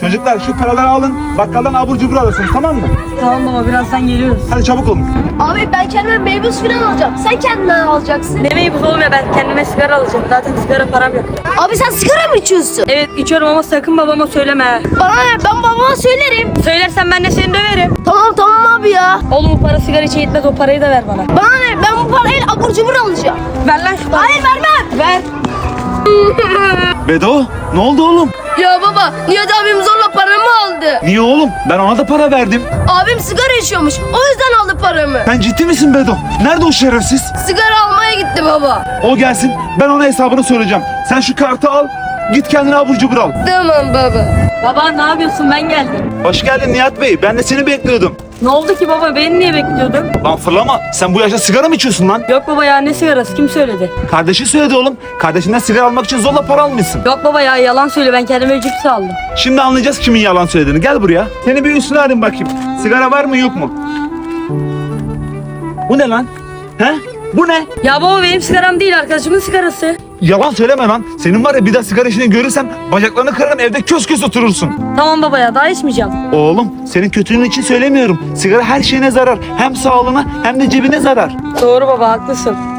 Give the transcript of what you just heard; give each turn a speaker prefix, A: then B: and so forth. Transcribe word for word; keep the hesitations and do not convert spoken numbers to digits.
A: Çocuklar şu paraları alın, bakkaldan abur cubur alırsınız, tamam mı?
B: Tamam baba, birazdan geliyoruz.
A: Hadi çabuk olun.
C: Abi ben kendime meyve suyu falan alacağım. Sen kendinden alacaksın.
B: Demeyi bu oğlum ya, ben kendime sigara alacağım. Zaten sigara param yok.
C: Abi sen sigara mı içiyorsun?
B: Evet içiyorum ama sakın babama söyleme.
C: Bana ne? Ben babama söylerim.
B: Söylersen ben de seni döverim.
C: Tamam tamam abi ya.
B: Oğlum bu para sigara için yetmez, o parayı da ver bana.
C: Bana ne? Ben bu parayla abur cubur alacağım.
B: Ver lan şu parayı.
C: Hayır vermem.
B: Ver.
A: Bedo, ne oldu oğlum?
C: Ya baba Nihat abim zorla paramı aldı.
A: Niye oğlum? Ben ona da para verdim.
C: Abim sigara içiyormuş. O yüzden aldı paramı.
A: Sen ciddi misin Bedo? Nerede o şerefsiz?
C: Sigara almaya gitti baba.
A: O gelsin, ben ona hesabını söyleyeceğim. Sen şu kartı al, git kendine abur cubur al.
C: Tamam baba.
B: Baba ne yapıyorsun, ben geldim.
A: Hoş geldin Nihat Bey, ben de seni bekliyordum.
B: Ne oldu ki baba, beni niye bekliyordun?
A: Lan fırlama, sen bu yaşta sigara mı içiyorsun lan?
B: Yok baba ya, ne sigarası, kim söyledi?
A: Kardeşin söyledi oğlum, kardeşinden sigara almak için zorla para almışsın.
B: Yok baba ya, yalan söyle, ben kendime cips aldım.
A: Şimdi anlayacağız kimin yalan söylediğini, gel buraya. Seni bir üstüne arayayım bakayım, sigara var mı yok mu? Bu ne lan? He? Bu ne?
B: Ya baba benim sigaram değil, arkadaşımın sigarası.
A: Yalan söyleme lan. Senin var ya bir daha sigara işini görürsem bacaklarını kırarım, evde kös kös oturursun.
B: Tamam baba ya, daha içmeyeceğim.
A: Oğlum senin kötülüğün için söylemiyorum. Sigara her şeyine zarar. Hem sağlığına hem de cebine zarar.
B: Doğru baba, haklısın.